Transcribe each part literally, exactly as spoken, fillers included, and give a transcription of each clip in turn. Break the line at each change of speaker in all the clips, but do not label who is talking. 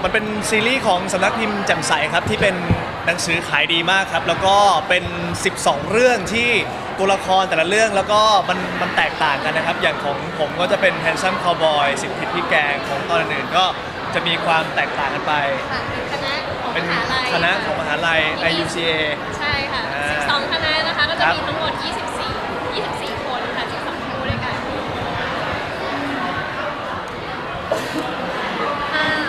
มันเป็นซีรีส์ของสำนักพิมพ์แจ่มใสครับที่เป็นหนังสือขายดีมากครับแล้วก็เป็นสิบสองเรื่องที่ตัวละครแต่ละเรื่องแล้วก็มันมันแตกต่างกันนะครับอย่างของผมก็จะเป็น Handsome Cowboy สิบทิศพี่แกงของตอนอื่นๆก็จะมีความแตกต่างกันไป
ค่ะเป็นคณะของ
เป็น
มหาลัย
คณะของมหาลัย ไอ ยู ซี เอ
ใช่ค่ะ
อ่า
สิบสองคณะนะคะก็จะ
ครับ
มีทั้งหมดยี่สิบสี่ ยี่สิบสี่คนค่ะสิบสองคู่ด้วยกันอ้าว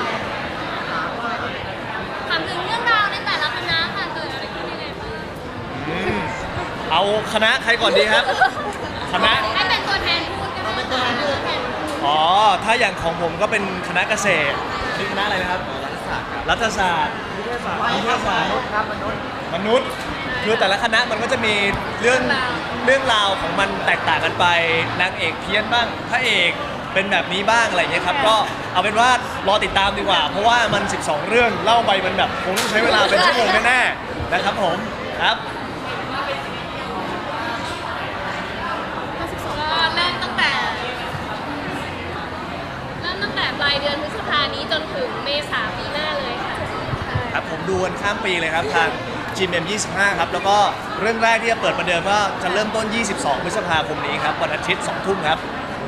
ถามถึงเรื่องราวในแต่ละคณะค่ะเกิดอะไรขึ้นยังไงบ้าง
อืมเอาคณะใครก่อนดีครับ คณะ
ให้เป็นตัวแทนพูดก็ได้ค่ะตัวแทนพูด
อ๋อ ถ้าอย่างของผมก็เป็นคณะเกษตรนี่คณะอะไรนะครับ รัฐศาสตร์ครับ รัฐศาสตร์ นิเทศศาสตร์ นิเทศศาสตร์
ครับมนุษย์
มนุษย์ คือแต่ละคณะมันก็จะมีเรื่องเรื่องราวของมันแตกต่างกันไป นางเอกเพี้ยนบ้าง พระเอกเป็นแบบนี้บ้างอะไรอย่างเงี้ยครับ ก็เอาเป็นว่ารอติดตามดีกว่า เพราะว่ามัน สิบสอง เรื่อง เล่าไปมันแบบคงต้องใช้เวลาเป็นชั่วโมงแน่ๆนะครับผม ครับ
ก็เริ่มตั้งแต่เริ่มตั้งแต่ปลายเดือนพฤษภานี้จนถึงเมษาปีหน้าเลยค่ะ
ครับผมดูกันข้ามปีเลยครับทาง จี เอ็ม ยี่สิบห้า ครับ แล้วก็เรื่องแรกที่จะเปิดประเดิมก็จะเริ่มต้น ยี่สิบสอง พฤษภาคมนี้ครับวันอาทิตย์ สอง ทุ่มครับ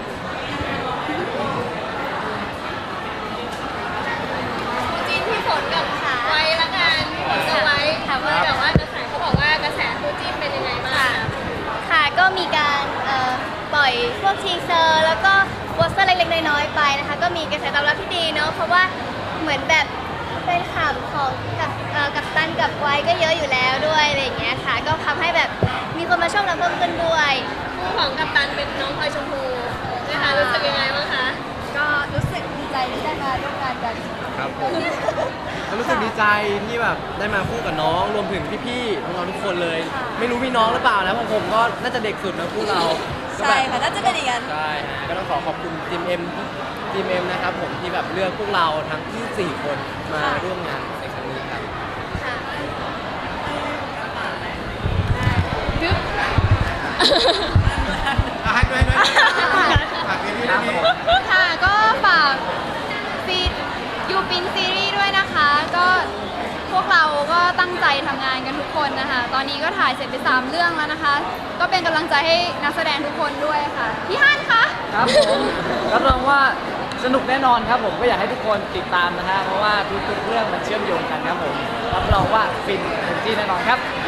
จีนพี่ฝนกับไว้ละกันพี่ฝนกับไว้ถามว่าแบบว่ากระแสเขาบอกว่ากระแสคู่จิ้นเป็นยังไงบ้างคะ
ค่ะก็มีการเอ่อปล่อยพวกทีเซอร์แล้วก็โปสเตอร์เล็กๆน้อยๆไปนะคะก็มีกระแสตอบรับที่ดีเนาะเพราะว่าเหมือนแบบเป็นข่าวของกับเอ่อกับตันกับไว้ก็เยอะอยู่แล้วด้วยอะไรอย่างเงี้ยค่ะก็ทำให้แบบมีคนมาชอบเราเพิ่มขึ้นด้วย
คู่ของกัปตันเป็นน้องพลอยชมพูนะคะรู้สึกยังไงบ้างคะ
ก็รู้สึกดีใจที่ได้มาร่วมงานกัน
ครับผมก็รู้สึกดีใจที่แบบได้มาคู่กับน้องรวมถึงพี่ๆน้องๆทุกคนเลย ไม่รู้พี่น้องหรือเปล่านะเพราะผมก็น่าจะเด็กสุดนะคู่เราก็แบบ
ใช่ค่ะน่าจะเป็นอย่างนั้น
ใช่ฮะก็ต้องขอขอบคุณทีมเอ็มทีมเอ็มนะครับผมที่แบบเลือกพวกเราทั้งที่สี่คนมาร่วมงานในครั้งนี้ครับ
ดึ๊บ
ให้ด้วยด้วยฝากซีรีส์ด้วย
ค่ะก็ฝากฟีดยูปินซีรีส์ด้วยนะคะ ก็พวกเราก็ตั้งใจทำงานกันทุกคนนะคะ ตอนนี้ก็ถ่ายเสร็จไปสามเรื่องแล้วนะคะ ก็เป็นกำลังใจให้นักแสดงทุกคนด้วยค่ะ พี่ฮั่นคะ
ครับผมรับรองว่าสนุกแน่นอนครับผมก็อยากให้ทุกคนติดตามนะฮะเพราะว่าทุกๆเรื่องมันเชื่อมโยงกันครับผมรับรองว่าฟินเต็มที่แน่นอนครับ